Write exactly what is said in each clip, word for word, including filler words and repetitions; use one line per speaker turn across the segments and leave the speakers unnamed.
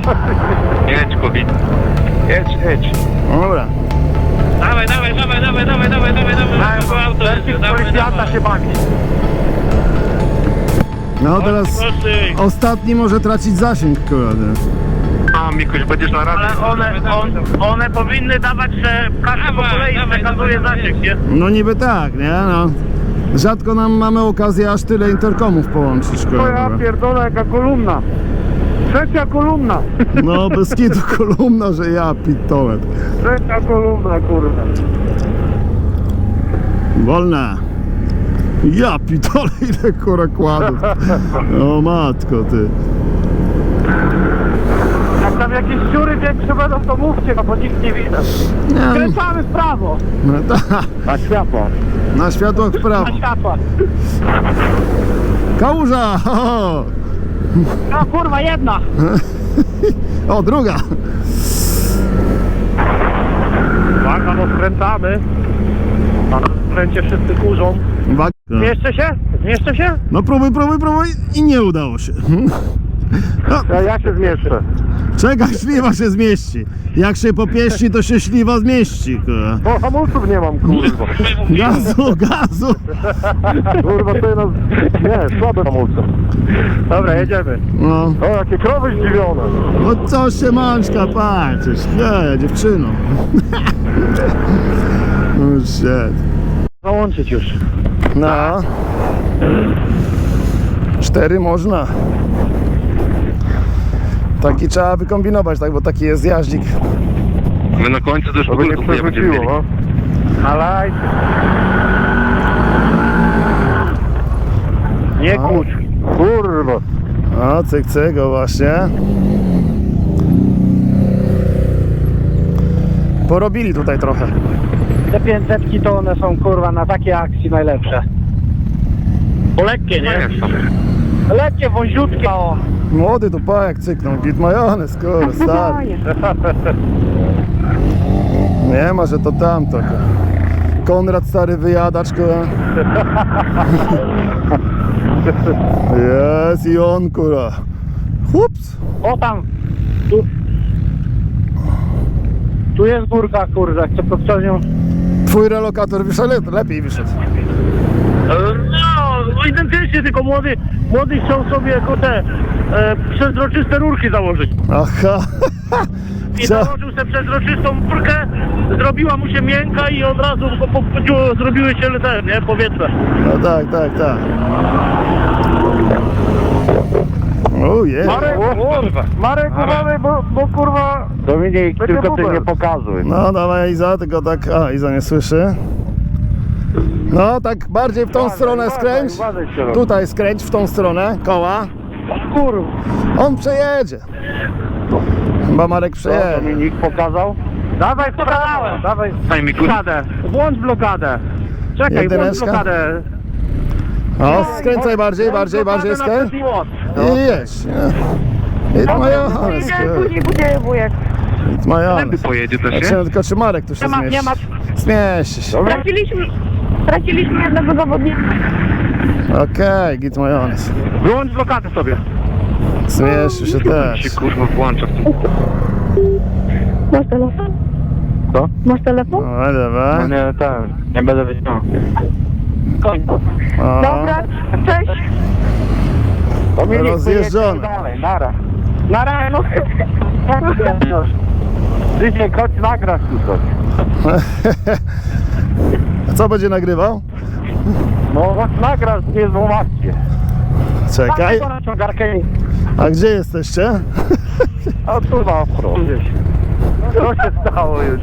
Jedź, kobieta. Jedź, jedź.
Dobra.
Dawaj, dawaj, dawaj, dawaj, dawaj, dawaj, dawaj, dawaj, dawaj, auto jest, dawaj,
Policjanta się bawi.
No teraz ostatni może tracić zasięg, kurde.
A, Mikuś, będziesz na razie.
Ale one, on, one powinny dawać, że każdy po kolei przekazuje zasięg, nie?
No niby tak, nie? No. Rzadko nam mamy okazję aż tyle interkomów połączyć,
To ja
kurde.
pierdolę, jaka kolumna. Trzecia kolumna.
No bez kitu kolumna, że ja pitolet.
Trzecia kolumna, kurwa.
Wolna. Ja pitole, ile kurwa kładów. O matko ty.
Jak tam jakieś dziury większe będą, to mówcie, no bo nikt nie widać.
Nie,
Skręcamy w prawo.
no ta,
Na światło.
na światłach w prawo.
Na światła.
Kałuża! Ho, ho.
A kurwa, jedna.
O, druga.
Uwaga, no skręcamy. Na skręcie wszyscy kurzą.
Uwaga.
Zmieszczę się? Zmieszczę się?
No próbuj, próbuj, próbuj i nie udało się. No,
Ja, ja się zmieszczę.
czekaj, śliwa się zmieści. Jak się popieści, to się śliwa zmieści, kurwa.
Bo hamulców nie mam, kurwa.
Gazu, gazu.
Kurwa, to nas... Nie, słabe hamulce. Dobra, jedziemy.
No,
O, jakie krowy zdziwione.
no co się Mańczka patrzysz? Nie, dziewczyno. Oh shit.
Załączyć już.
No. Cztery można. Taki trzeba wykombinować, tak, bo taki jest jaździk.
My na końcu to już w
Żeby
ogóle
nie
to nie będziemy mieli.
przerzuciło, no. Ale... Nie
No.
kłóć. Kurwa.
O, cyk, cyk, o właśnie. Porobili tutaj trochę.
Te pięćsetki to one są, kurwa, na takie akcji najlepsze. Bo lekkie,
No
nie?
jest tam.
Lekkie, wąziutkie, o.
Młody tu pajek cyknął, git majonez, kurwa, stary. Nie ma, że to tamto. Konrad stary wyjadacz, kurwa. Jest i on, kurwa. Ups.
O tam. Tu. Tu jest górka, kurde, chcę poprzednią.
Twój relokator wyszedł, lepiej wyszedł.
No, no identycznie, tylko młody, młody chciał sobie te e, przezroczyste rurki założyć.
Aha.
I
Chcia...
założył sobie przezroczystą rurkę, zrobiła mu się miękka i od razu po, po, po, zrobiły się te, nie, powietrze.
No tak, tak, tak. O yeah.
Marek, kurwa. Marek, uważaj, bo, bo kurwa... Dominik, tylko ty nie pokazuj.
No dawaj Iza, tylko tak, a Iza nie słyszy. No tak bardziej w tą
Uważaj,
stronę
uważaj,
skręć.
uważaj się, no.
Tutaj skręć w tą stronę, koła.
Kurwa.
On przejedzie. Chyba Marek przejedzie.
Dominik pokazał? Dawaj, pokazałem. Dawaj,
Daj mi kurwa.
blokadę. Włącz blokadę. Czekaj, włącz
Jedyneczka.
blokadę.
O, skręcaj bardziej,
Włącz
bardziej, bardziej
blokadę na
skręć.
trzeci łot.
I jedź. nie? Idź majonez,
Później budzieje wujek.
idź majonez.
Ty pojedzie też,
Zobaczymy
nie?
tylko czy Marek tu się
Nie ma- nie
zmieści.
ma.
Zmieści się.
Straciliśmy, straciliśmy jednego zawodnika.
Okej, git majonez.
Wyłącz blokadę sobie.
Zmieści się
się
też.
kurwa włącza w tym.
Masz telefon?
Co?
Masz telefon?
No dawaj.
Nie, tak, nie będę wyciągnął. Koń.
O.
Dobra, cześć.
Dominik,
Rozjeżdżony.
pojedziemy dalej, nara. Nara, no. Dzisiaj chodź nagrasz tu coś.
A co będzie nagrywał?
No chodź nagrasz, nie złomacie.
Czekaj.
Na ciągarkę.
A gdzie jesteście?
A tu na ostro. Co się stało już?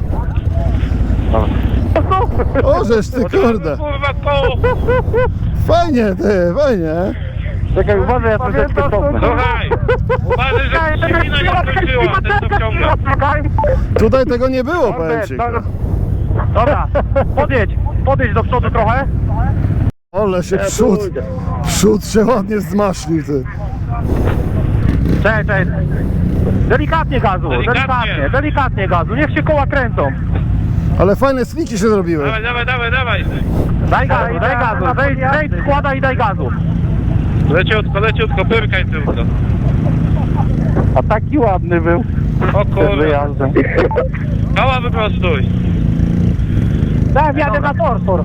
O, żeś ty kurde.
Kurwa, koło.
Fajnie ty, fajnie.
Czekaj, uważaj, ja troszeczkę cofnę.
Słuchaj, uważaj, że ci się wina nie skończyła, ten co wciąga.
Tutaj tego nie było, powiem ci.
Dobra, podjedź, podjedź do przodu trochę.
Ale się przód, przód się ładnie zmaszli ty.
Cześć, cześć. Delikatnie gazu,
Delikatnie.
delikatnie, delikatnie gazu, niech się koła kręcą.
Ale fajne sliki się zrobiły.
Dawaj, dawaj, dawaj, dawaj.
Daj gazu, daj gazu, zejdź, zejdź, składaj i daj gazu.
Leciutko, leciutko, pyrkaj tylko.
A taki ładny był.
O
Przed
kurwa.
wyjazdem.
Koła wyprostuj.
Tak, jadę na Torfor.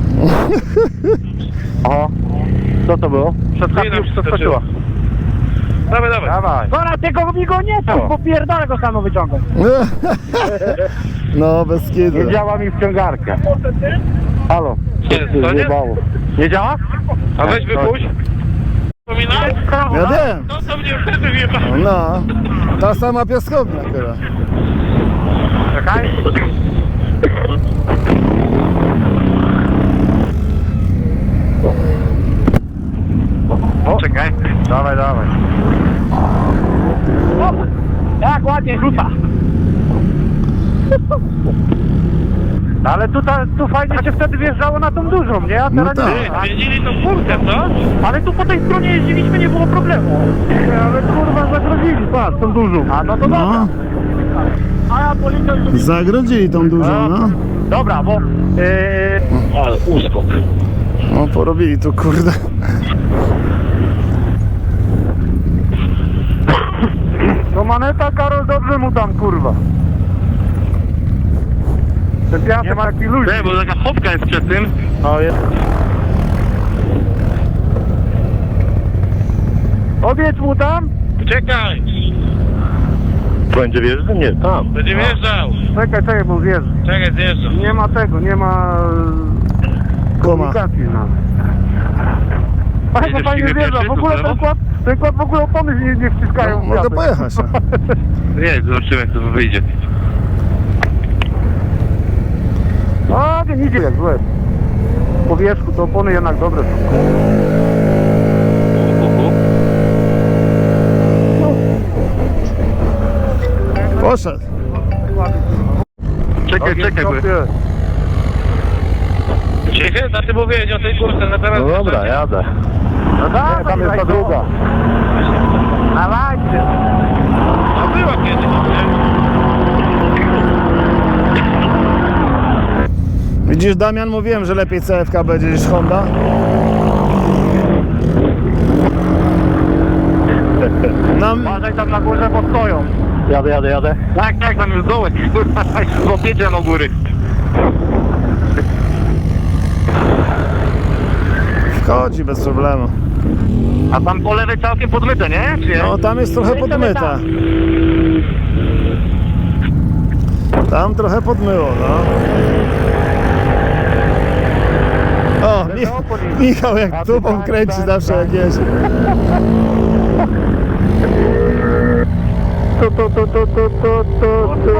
O, co to było? Przeskoczyła.
Chwila,
Przeskoczyła.
Dawaj, dawaj.
Dawaj.
Dobra, tylko mi go nie puść, bo pierdolę go samo wyciągam.
No, bez kitu.
Nie działa mi wciągarka. Halo.
Nie, to nie?
Zjebało. Nie działa?
A weź wypuść. Wspominam?
Ja wiem.
No to mnie wtedy wjebało.
No, ta sama piaskownia chyba.
Czekaj. O, czekaj. Dawaj, dawaj.
O, jak ładnie rzuca.
Ale tu, ta, tu fajnie się wtedy wjeżdżało na tą dużą, nie? A
No
teraz
tak.
nie.
Ty, zmienili tą furkę, co?
Ale tu po tej stronie jeździliśmy, nie było problemu. Ale kurwa zagrozili, patrz, tą dużą. A no to
No,
dobra. A ja policzę...
zagrodzili tą dużą, no.
Dobra, bo... Yy...
Ale uskok.
No, porobili tu, kurde.
No maneta, Karol, dobrze mu tam, kurwa. Ten piasek taki luźny.
Nie, bo taka chopka jest przed tym.
O, jest. Odjedź mu tam.
Czekaj.
Będzie wjeżdżał? Nie, tam.
Będzie wjeżdżał.
Czekaj, czekaj, bo zjeżdża.
Czekaj, zjeżdżam.
Nie ma tego, nie ma
Koma.
komunikacji z nami. Fajnie,
Jedziesz
fajnie
ścigę
zjeżdża,
pierwszy,
w
tu
ogóle
w lewo?
ten kład, ten kład w ogóle opony nie, nie wciskają.
No,
w
mogę
piasek.
pojechać, no.
Nie, zobaczymy jak to wyjdzie.
A, nie idzie jak złe. Po wierzchu to opony jednak dobre są.
Poszedł.
Czekaj, czekaj, bo... Cichy? Na ty mówiłeś o tej górce, na teraz...
No dobra, jadę. No tak, tam jest ta druga. Dawajcie.
No była kiedyś, nie?
Widzisz, Damian, mówiłem, że lepiej C F K będzie niż Honda. Nam...
Uważaj tam na górze, bo stoją. Jadę, jadę, jadę.
Tak, tak, tam jest dołek, kurwa, bo jedzie na góry.
Wchodzi bez problemu.
A tam po lewej całkiem podmyte, nie? Czy nie?
No, tam jest trochę podmyta. Tam trochę podmyło, no. O, Mi Michał jak tubą kręci zawsze jak jeździ.
Tu, tu, tu, tu, tu, tu, tu, tu.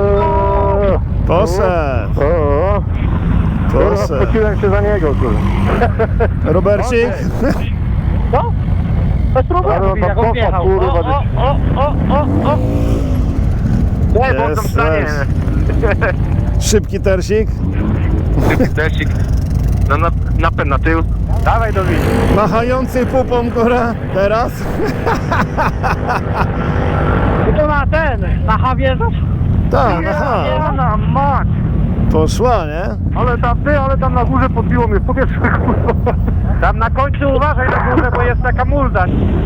Poszedł,
O,
poszedł.
spociłem się za niego, kurwa.
Robercik?
Co? Bez problemu,
Ale
jak
to
on wjechał.
kurwa,
O, o, o, o, o, o.
Nie, bo on tam
Jest,
stanie.
jest. Szybki tersik.
Desik. No, na, napęd na tył.
Dawaj do widzi.
Machający pupą góra. Teraz?
I to na ten, na H wjeżdżasz?
Tak, aha.
Na mać.
Poszła, nie?
Ale tam ty, ale tam na górze podbiło mnie w powietrze, kurwa. Tam na końcu uważaj na górze, bo jest taka mulda.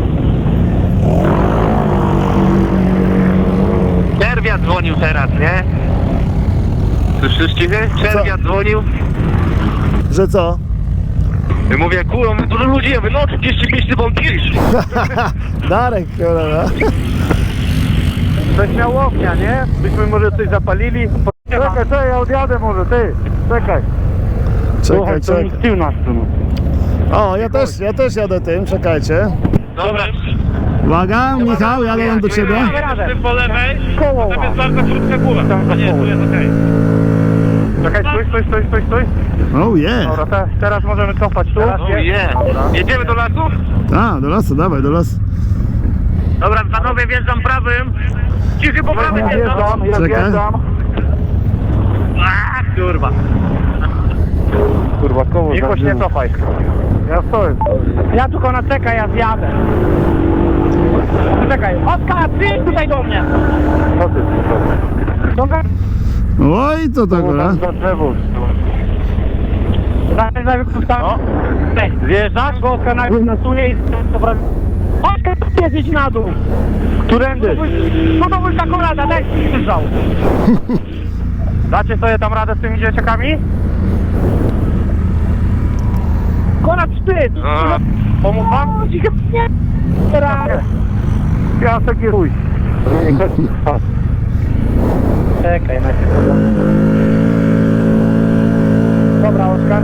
Czerwia dzwonił teraz, nie? Słyszysz, Cichy? Czerwia dzwonił.
Że co?
I mówię, kurwa, my dużo ludzi, ja mówię, no trzydzieści pięć ty wątpisz.
Darek, kurwa.
To śmiałownia, nie? Byśmy może coś zapalili. Czekaj, czekaj, ja odjadę może, ty. Czekaj.
Czekaj,
to
czekaj.
z tyłu nas tu.
O, ja też, ja też jadę tym, czekajcie.
Dobra.
Uwaga, Michał, jadę do ciebie.
Ty po lewej,
Koło
tam jest
ma.
bardzo krótka góra. A nie, tu jest okej.
Czekaj, stój, stój, stój, stój, stój.
Oh yeah.
Dobra, te, teraz możemy cofać tu.
O nie. Jedziemy do lasu?
A, do lasu, dawaj, do lasu.
Dobra, panowie, wjeżdżam prawym. Cichy po prawym
Ja
wjeżdżam.
wjeżdżam, ja
Czekaj.
wjeżdżam.
A, kurwa.
Kurwa, koło. Nikoś nie cofaj. Ja stoję.
Ja tylko na czekaj, ja zjadę. Czekaj, Oskar, przyjdź tutaj do mnie.
Co ty?
Dobra,
Oj, co to góra?
Za drzewo.
zaraz najpierw tu
No.
Zjeżdżasz, bo Oskar najpierw nasunie i dobra. Oskar, Jeździć na dół.
Którędy?
No to już taką radę, daj mi przyjrzał.
Dacie sobie tam radę z tymi dzieciakami?
Konrad, wstyd.
A,
Pomóc wam?
Nie. Radę.
Piasek jest chuj.
Czekaj, na chwilę. Dobra, Oskar.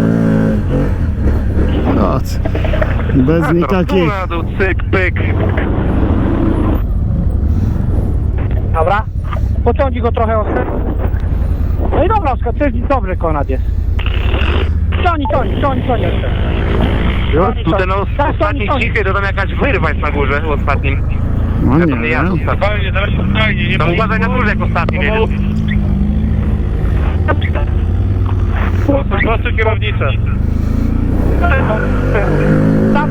No, c- bez
tu
nikakich.
na dół, cyk, pyk.
Dobra. Pociągnij go trochę, Oskar. No i dobra, Oskar, to jest dobry Konrad jest. Ciągnij, ciągnij, ciągnij, ciągnij, Oskar.
Już tu ten os-
Tak,
ostatni
ciągnij,
cichy, to tam jakaś wyrwa jest na górze, w ostatnim.
No
Ja
nie
to nie jadę
wiem.
ostatnio.
Fajnie, teraz spokojnie, nie
Tam uważaj na górze jak ostatni, nie?
Po prostu kierownicę.
Tam.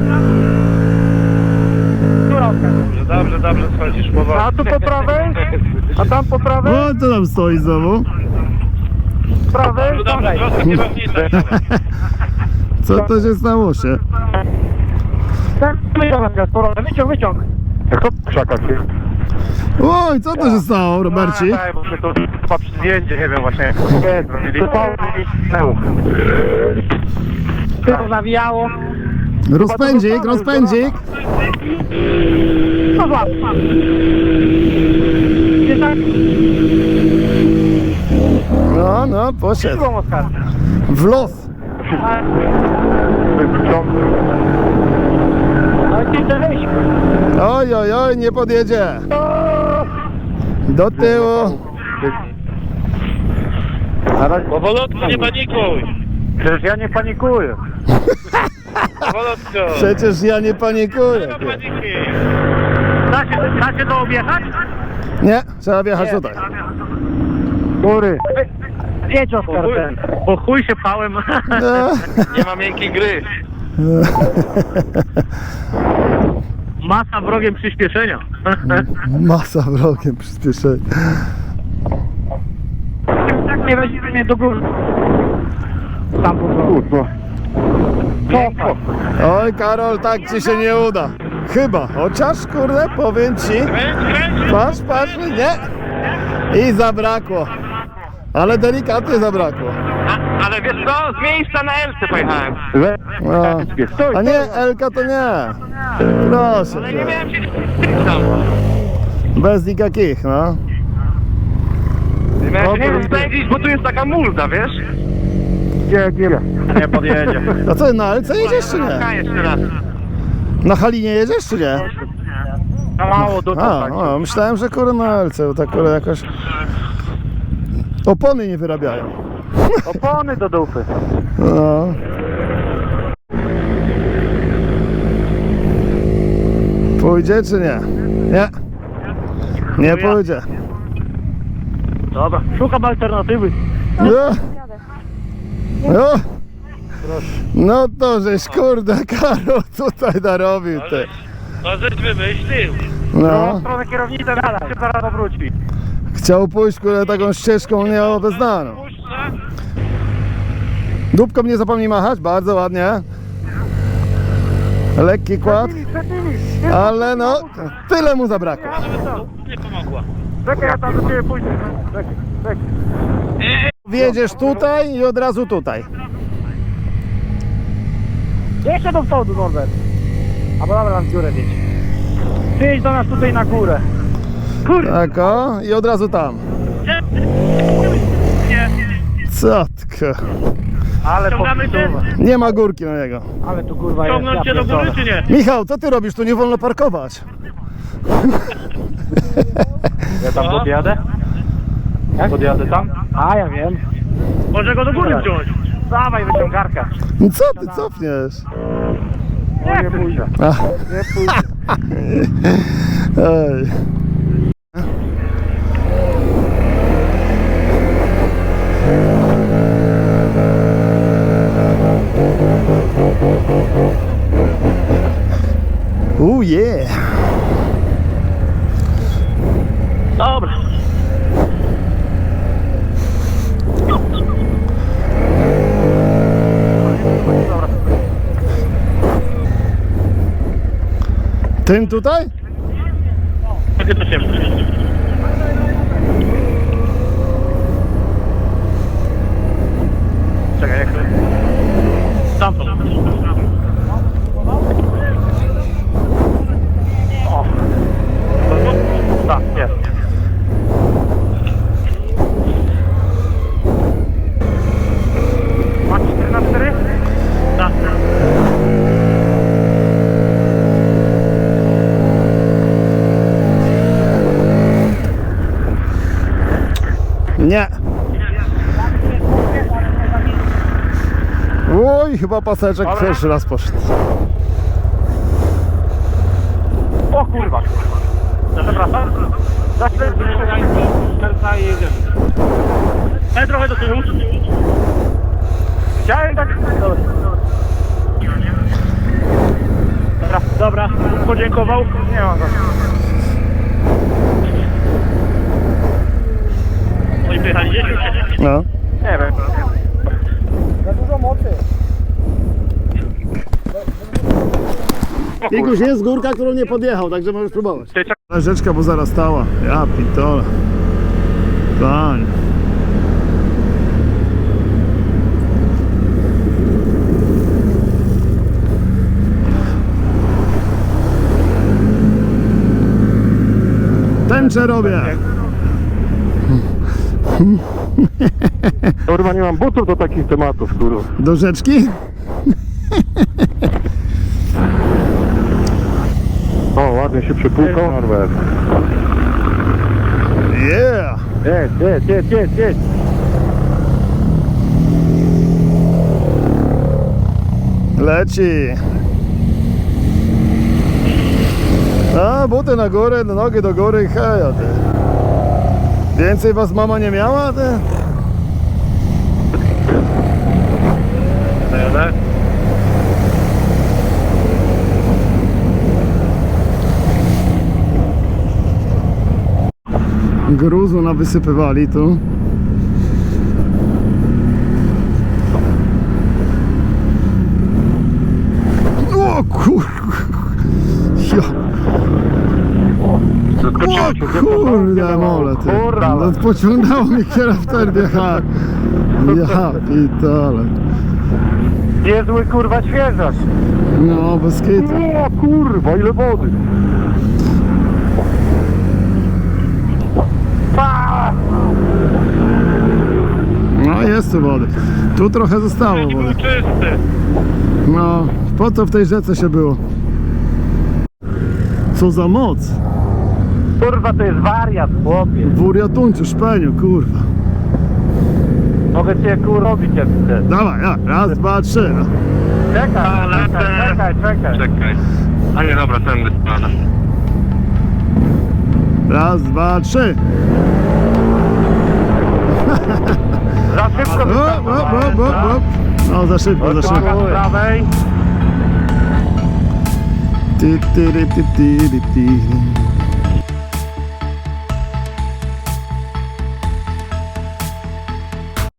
Która, Oskar?
Dobrze, dobrze, dobrze schodzisz, powoli.
A tu po prawej? A tam po prawej?
O, co tam stoi znowu?
Prawej?
Dobrze, dobrze,
Ciągaj.
prosto kierownicę.
Co to się stało się?
Tak, wyciąg, Oskar, z powrotem. Wyciąg, wyciąg.
Jak w krzakach jest?
Oj, co to się stało, Roberci?
Tak, bo się to chyba przy zdjęcie, nie wiem właśnie jak zrobili.
Tylko zawijało.
Rozpędzik, rozpędzik.
No złap. Gdzie tak?
No, no, poszedł.
Drugą, Oskar.
W los.
Ale ty chcesz wyjść.
Oj, oj, oj, nie podjedzie. Do tyłu.
Powolutku, nie panikuj.
Przecież ja nie panikuję.
Powolutku.
Przecież ja nie panikuję.
Nie paniki.
Da się, da się to objechać?
Nie, trzeba wjechać tutaj.
Góry.
Jedź, Oskar, ten.
Po chuj się pałem.
No.
Nie ma miękkiej gry.
Masa wrogiem przyspieszenia.
Masa wrogiem przyspieszenia.
Tak nie weźmie mnie do góry. Tam po prostu.
Miękko.
Oj, Karol, tak ci się nie uda. Chyba. Chociaż, kurde, powiem ci.
Kręć, kręć.
Patrz, patrz, nie. I zabrakło. Ale delikatnie zabrakło.
A, ale wiesz co? Z miejsca na Elce pojechałem.
No. A nie, Elka to nie. Proszę
Ale nie
cię.
miałem się tam.
Bez nikakich, no.
Nie miałem się rozpędzić, bo tu jest taka mulda, wiesz?
Nie, nie. Nie podjedzie.
A co, na Elce jedziesz czy nie?
A, jeszcze raz.
Na Halinie jedziesz czy nie?
Za mało do
A, o, myślałem, że kurde na Elce, bo tak kurde jakoś... Opony nie wyrabiają.
Opony do dupy.
No. Pójdzie czy nie? Nie. Nie pójdzie.
Dobra, szukam alternatywy.
No. No. No to żeś kurde Karol tutaj narobił ty.
No żeś wymyślił.
No.
stronę kierownicę nada, się zaraz obróci.
Chciał pójść kurde taką ścieżką nieobeznaną.
Puszczę.
Dupką nie zapomnij machać, bardzo ładnie. Lekki kład. Ale no, tyle mu zabrakło.
Nie pomogła.
Czekaj, ja tam do ciebie pójdę. Czekaj, czekaj.
Wjedziesz tutaj i od razu tutaj.
Jeszcze do przodu, Norbert. A bo dobra, nam dziurę wieć. Przyjedź do nas tutaj na górę. Kurde.
Tak o, i od razu tam.
Nie,
Co tylko.
Ale
Ciągamy cię?
popisuwa.
Nie ma górki na niego.
Ale tu kurwa jest.
ciągnąć
ja
cię do góry
pierdolę.
czy nie?
Michał, co ty robisz? Tu nie wolno parkować.
Ja tam podjadę?
Jak?
Podjadę tam?
A, ja wiem.
Może go do góry wziąć.
Dawaj wyciągarkę.
No co ty cofniesz?
Nie pójdę.
A.
Nie pójdę.
Ej. Oh yeah.
Dobra.
Tym tutaj?
Takie to się. Czekaj, jak to? Tamto. O. Tak, jest. Masz cztery na cztery? Tak.
Nie. Oj, chyba paseczek
Dobra.
pierwszy raz poszedł.
O kurwa. Przepraszam. Zacznę z i jedziemy. Daj trochę do tyłu. Chciałem tak... Dobra, dobra. Podziękował. Nie ma za co. No i wyjechali gdzieś?
No.
Nie wiem.
Za dużo mocy.
Iguś, jest górka, którą nie podjechał, także możesz próbować.
Ty, czekaj.
Rzeczka, bo zaraz stała. Ja pitole. Panie. Tęczę robię.
Kurwa, nie mam butów do takich tematów, kurwa.
Do rzeczki?
O, ładnie się przypłukał.
Yeah!
Jedź, jedź, jedź, jedź, jedź.
Leci. A, buty na górę, nogi do góry, heja ty. Więcej was mama nie miała, ty?
Zajadę.
Gruzu nawysypywali tu. O kur... Ja. O kurde mole ty. No, pociągnęło mi kierowcę wjechałem. Ja pitole.
Niezły, kurwa, świeżak.
No, bez kitu.
O kurwa, ile wody.
No jest tu wody. Tu trochę zostało
Był
wody.
czysty.
No, po co w tej rzece się było? Co za moc?
Kurwa, to jest wariat, chłopie.
Wuriatuńcu, szpeniu, kurwa.
Mogę cię kur robić jak chcesz.
Dawaj, ja, raz, dwa, trzy, no.
Czekaj,
Ale
czekaj,
te-
czekaj, czekaj.
Czekaj. A nie, dobra, tędy spada.
Raz, dwa, trzy.
Za szybko
O, o, o, o, o. No, za szybko, za
Uwaga
szybko.
z prawej.
Ty, ty, ty, ty, ty, ty.